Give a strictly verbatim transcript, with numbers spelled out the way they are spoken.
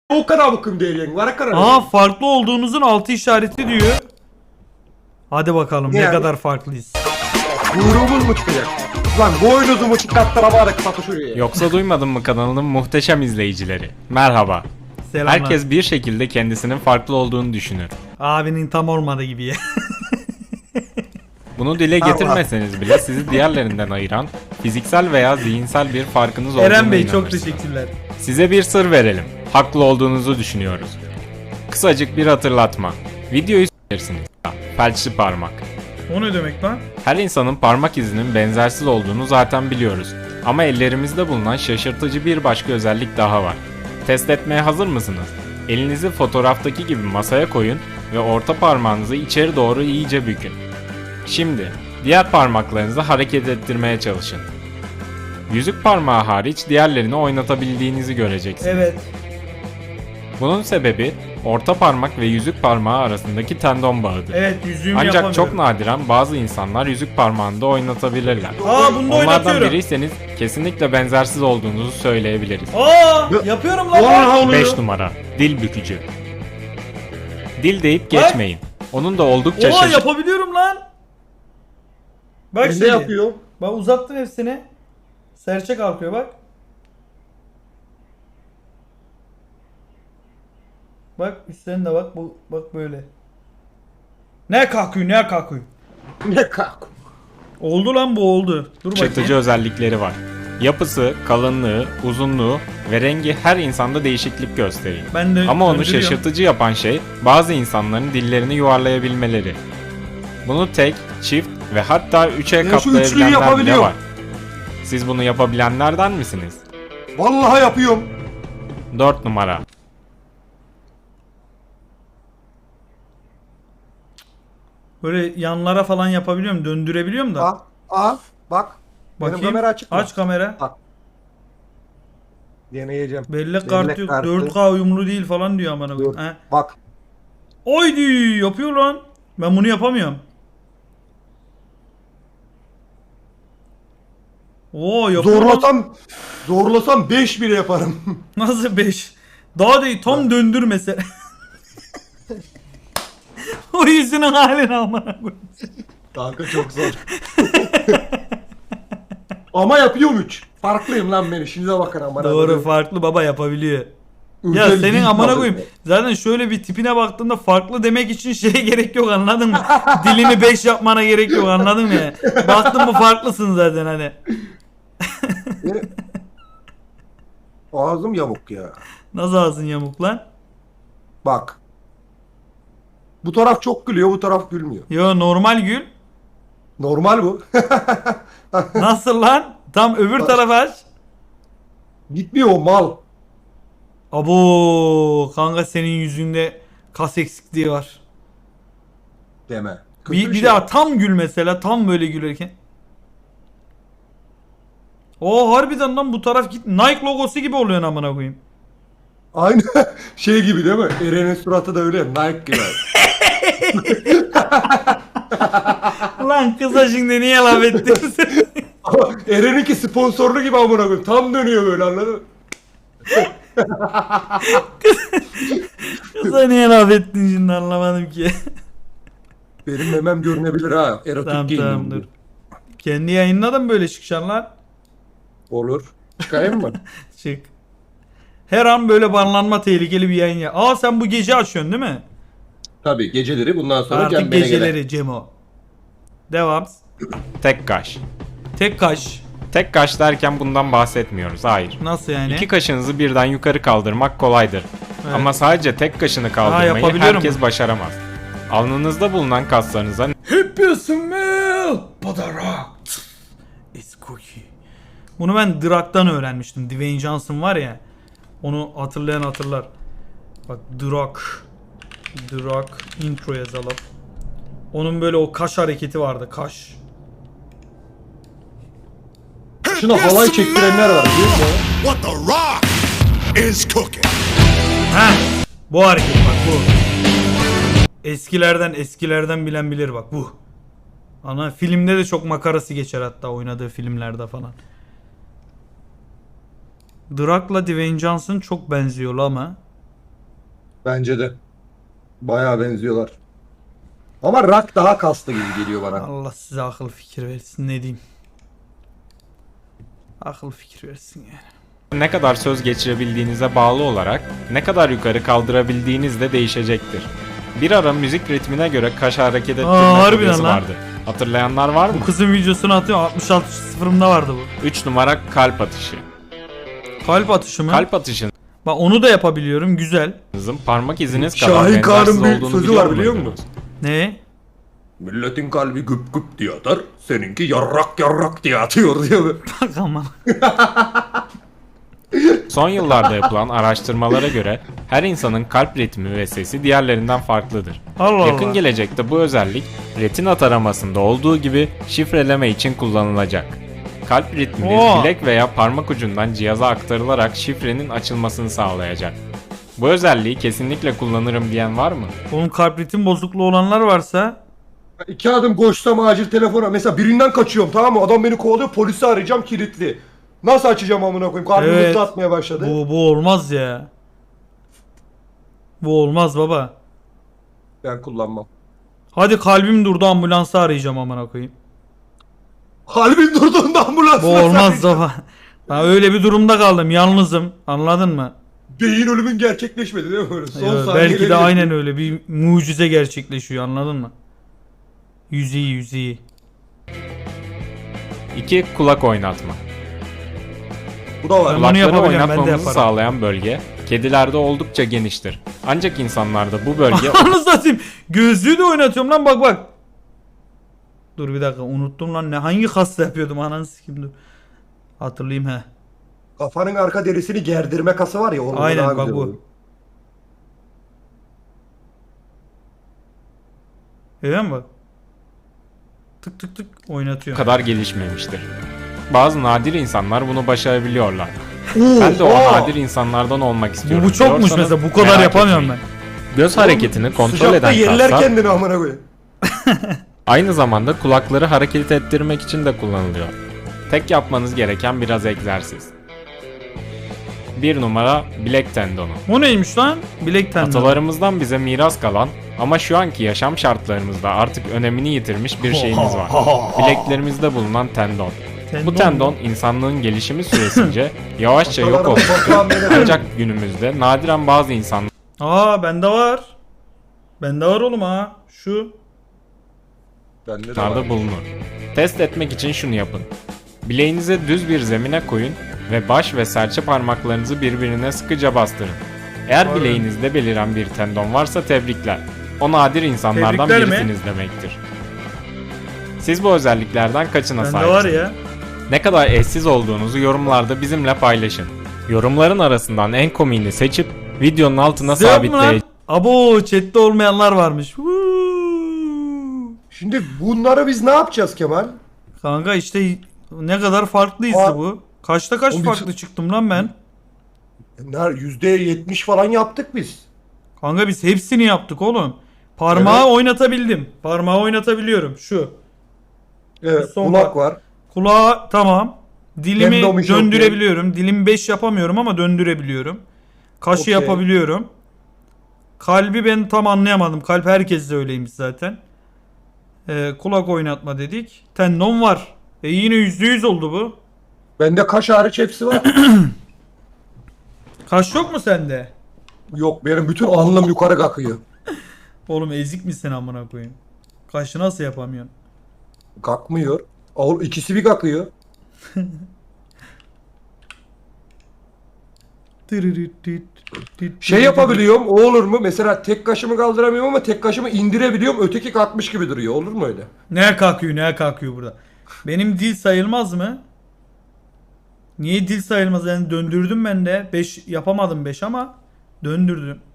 O kadar bakım değerli var kadar. Aa, farklı olduğunuzun altı işareti diyor. Hadi bakalım ne Yani? kadar farklıyız. Kuyruğumuz mu çıkacak? Lan boynuzu mu çıkarttıra bari kapı şuraya. Yoksa duymadın mı kanalının muhteşem izleyicileri? Merhaba. Selamlar. Herkes bir şekilde kendisinin farklı olduğunu düşünür. Abinin tam olmadı gibi ya. Bunu dile getirmeseniz bile sizi diğerlerinden ayıran fiziksel veya zihinsel bir farkınız olduğuna Eren Bey çok inanırsınız. teşekkürler. Size bir sır verelim. Haklı olduğunuzu düşünüyoruz. Kısacık bir hatırlatma. Videoyu s**ersiniz. Felçli parmak. O ne demek lan? Her insanın parmak izinin benzersiz olduğunu zaten biliyoruz. Ama ellerimizde bulunan şaşırtıcı bir başka özellik daha var. Test etmeye hazır mısınız? Elinizi fotoğraftaki gibi masaya koyun ve orta parmağınızı içeri doğru iyice bükün. Şimdi diğer parmaklarınızı hareket ettirmeye çalışın. Yüzük parmağı hariç diğerlerini oynatabildiğinizi göreceksiniz. Evet. Bunun sebebi orta parmak ve yüzük parmağı arasındaki tendon bağıdır. Evet, yüzüğümü Ancak yapamıyorum. çok nadiren bazı insanlar yüzük parmağını da oynatabilirler. Aa, bunu da Onlardan oynatıyorum. biriyseniz kesinlikle benzersiz olduğunuzu söyleyebiliriz. Aa, yapıyorum lan. Vallahi oluyor. beş numara. Dil bükücü. Dil deyip geçmeyin. Onun da oldukça Oha, şaşırtıcı. yapabiliyorum lan. Bak Ben şimdi. de yapıyor. Bak, uzattım hepsini. Serçe kalkıyor bak. Bak üstlerine de bak, bu bak böyle. Ne kalkıyor, ne kalkıyor. Ne kalk. Oldu lan, bu oldu. Dur şaşırtıcı bakayım. özellikleri var. Yapısı, kalınlığı, uzunluğu ve rengi her insanda değişiklik gösterir. Ben de Ama onu döndürüyorum. şaşırtıcı yapan şey bazı insanların dillerini yuvarlayabilmeleri. Bunu tek, çift ve hatta üçe şu üçlüyü katlayabilenler bile yapabiliyorum. var. Siz bunu yapabilenlerden misiniz? Vallahi yapıyorum. dört numara. Böyle yanlara falan yapabiliyorum, döndürebiliyorum da. Aa, aa bak. Benim Bakayım. kamera açık mı? Aç kamera. Bak. Deneyeceğim. Bellek kartı yok. kartı. dört K uyumlu değil falan diyor amına koyayım. Dur, He. bak. Oydi, yapıyor lan. Ben bunu yapamıyorum. Oo, yapıyor lan. Zorlasam zorlasam beş bile yaparım. Nasıl beş? Daha değil, tam döndür mesela. O yüzünün halini amına koyayım. Kanka çok zor. Ama yapıyorum üç. Farklıyım lan ben, işinize bakın amına. Doğru, koyayım. farklı baba yapabiliyor. Ya Özel senin değil amına tabii. koyayım. Zaten şöyle bir tipine baktığında farklı demek için şeye gerek yok, anladın mı? Dilini beş yapmana gerek yok, anladın mı ya? Baktın mı farklısın zaten hani. Benim- Ağzım yamuk ya. Nasıl ağzın yamuk lan? Bak. Bu taraf çok gülüyor, bu taraf gülmüyor. Yo, normal gül. Normal bu. Nasıl lan? Tam öbür tarafa aç. Gitmiyor o mal. Abo kanka, senin yüzünde kas eksikliği var. Deme. Kötü Bir, bir şey. daha tam gül mesela, tam böyle gülerken. O harbiden lan, bu taraf git, Nike logosu gibi oluyor amına koyayım. Aynı şey gibi değil mi? Eren'in suratı da öyle Nike gibi. Lan kıza şimdi niye laf ettin sen? Ama Eren'inki sponsorlu gibi amına koyayım. Tam dönüyor böyle, anladın mı? Kıza niye laf ettin şimdi, anlamadım ki. Benim memem görünebilir ha. Erotik Tamam giyindim tamam, diye. dur. Kendi yayınına da mı böyle çıkacaksın lan? Olur. Çıkayım mı? Çık. Her an böyle banlanma tehlikeli bir yayın ya. Aa, sen bu gece açıyorsun değil mi? Tabii geceleri, bundan sonra Artık Cem beni geceleri gelir. Cemo. Devam. Tek kaş. Tek kaş. Tek kaş derken bundan bahsetmiyoruz. Hayır. Nasıl yani? İki kaşınızı birden yukarı kaldırmak kolaydır. Evet. Ama sadece tek kaşını kaldırmayı yapabiliyorum herkes bunu. başaramaz. Alnınızda bulunan kaslarınıza Hep smell but the rock is cookie. Bunu ben Drak'tan öğrenmiştim. Dwayne Johnson var ya. Onu hatırlayan hatırlar. Bak, Drak. Drak intro yazalım. Onun böyle o kaş hareketi vardı. Kaş. Şuna halay çektirenler var biliyor musun? What the rock is cooking. Heh. Bu hareket bak, bu. Eskilerden eskilerden bilen bilir bak, bu. Ana filmde de çok makarası geçer, hatta oynadığı filmlerde falan. Drak'la Dwayne Johnson çok benziyor ama. Bence de. Bayağı benziyorlar. Ama rock daha kaslı gibi geliyor bana. Allah size akıl fikir versin, ne diyeyim. Akıl fikir versin yani. Ne kadar söz geçirebildiğinize bağlı olarak ne kadar yukarı kaldırabildiğiniz de değişecektir. Bir ara müzik ritmine göre kaş hareket ettirme harbiden furyası lan. vardı. Hatırlayanlar var mı? Bu kızın videosunu atıyor, altmış altı sıfırımda vardı bu. üç numara kalp atışı. Kalp atışı mı? Kalp atışınızın Bak onu da yapabiliyorum, güzel. parmak iziniz kadar Şahin benzersiz Kağan'ın bir olduğunu sözü biliyor var biliyor muydunuz? musun? Ne? Milletin kalbi güp güp diye atar. Seninki yarrak yarrak diye atıyor diyor. Bak aman. Son yıllarda yapılan araştırmalara göre her insanın kalp ritmi ve sesi diğerlerinden farklıdır. Allah Yakın Allah. gelecekte bu özellik retina taramasında olduğu gibi şifreleme için kullanılacak. Kalp ritminiz Oo. bilek veya parmak ucundan cihaza aktarılarak şifrenin açılmasını sağlayacak. Bu özelliği kesinlikle kullanırım diyen var mı? Onun kalp ritim bozukluğu olanlar varsa İki adım koşsam acil telefona. Mesela birinden kaçıyorum tamam mı? Adam beni kovalıyor. Polisi arayacağım kilitli. Nasıl açacağım amına koyayım? Kalbim Evet. hızlı atmaya başladı. bu, bu olmaz ya. Bu olmaz baba. Ben kullanmam. Hadi kalbim durdu, ambulansı arayacağım amına koyayım. Kalbin durduğunda ambulans. Bu olmaz baba. Ben öyle bir durumda kaldım, yalnızım. Anladın mı? Beyin ölümün gerçekleşmedi değil mi? Böyle son Ya, saniyeleri belki de yaşıyor. aynen öyle bir mucize gerçekleşiyor, anladın mı? Yüzeyi yüzeyi. iki. Kulak oynatma. Bu da var. Ben bunu Kulakları yapabiliyorum, ben de oynatmamızı yaparım. sağlayan bölge kedilerde oldukça geniştir. Ancak insanlarda bu bölge Anı satayım. Gözlüğü de oynatıyorum lan, bak bak. Dur bir dakika, unuttum lan, ne hangi kasta yapıyordum, ananı sikeyim, dur. Hatırlayayım he. Kafanın arka derisini gerdirme kası var ya. Onun Aynen, daha bak güzel bu. oluyor. Görüyor musun bak? Tık tık tık oynatıyor. kadar gelişmemiştir. Bazı nadir insanlar bunu başarabiliyorlar. Oo, Ben de o aa! nadir insanlardan olmak Bu, istiyorum. bu çokmuş diyorsanız mesela, bu kadar merak yapamıyorum etmeyin. ben. Göz hareketini kontrol Sıcakta eden yerler kaslar kendini amına koyayım. aynı zamanda kulakları hareket ettirmek için de kullanılıyor. Tek yapmanız gereken biraz egzersiz. bir numara bilek tendonu. O neymiş lan? Bilek tendonu. Atalarımızdan bize miras kalan ama şu anki yaşam şartlarımızda artık önemini yitirmiş bir şeyimiz var. Bileklerimizde bulunan tendon. Bu tendon insanlığın gelişimi süresince yavaşça yok oldu. Ancak günümüzde nadiren bazı insanlar Aa bende var. Bende var oğlum ha. Şu. Bende de var. da bulunur. Test etmek için şunu yapın. Bileğinizi düz bir zemine koyun ve baş ve serçe parmaklarınızı birbirine sıkıca bastırın. Eğer Aynen. bileğinizde beliren bir tendon varsa tebrikler. O nadir insanlardan Tebrikler mi? birisiniz demektir. Siz bu özelliklerden kaçına Bende sahipsiniz? var ya. Ne kadar eşsiz olduğunuzu yorumlarda bizimle paylaşın. Yorumların arasından en komiğini seçip videonun altına Size yok mu lan? sabitleyeceğiz. Abo chatte olmayanlar varmış. Huu. Şimdi bunları biz ne yapacağız Kemal? Kanka işte ne kadar farklı hissi Aa. bu. Kaçta kaç Oğlum biz- farklı çıktım lan ben. Ner- yüzde yetmiş falan yaptık biz. Kanka biz hepsini yaptık oğlum. Parmağı Evet. oynatabildim. Parmağı oynatabiliyorum. Şu. Evet, Son kulak bak- var. Kulağı tamam. Dilimi Tendon işi döndürebiliyorum. Dilim beş yapamıyorum ama döndürebiliyorum. Kaşı Okey. yapabiliyorum. Kalbi ben tam anlayamadım. Kalp herkes de öyleymiş zaten. Ee, kulak oynatma dedik. Tendon var. E yine yüzde yüz oldu bu. Bende kaş hariç hepsi var. Kaş yok mu sende? Yok benim bütün alnım yukarı kalkıyor. Oğlum ezik misin amına koyayım? Kaşı nasıl yapamıyorsun? Kalkmıyor. Oğlum ikisi bir kalkıyor. Şey yapabiliyorum o olur mu? Mesela tek kaşımı kaldıramıyorum ama tek kaşımı indirebiliyorum. Öteki kalkmış gibi duruyor. Olur mu öyle? Ne kalkıyor ne kalkıyor burada? Benim dil sayılmaz mı? Niye dil sayılmaz? Yani döndürdüm ben de. beş yapamadım beş ama döndürdüm.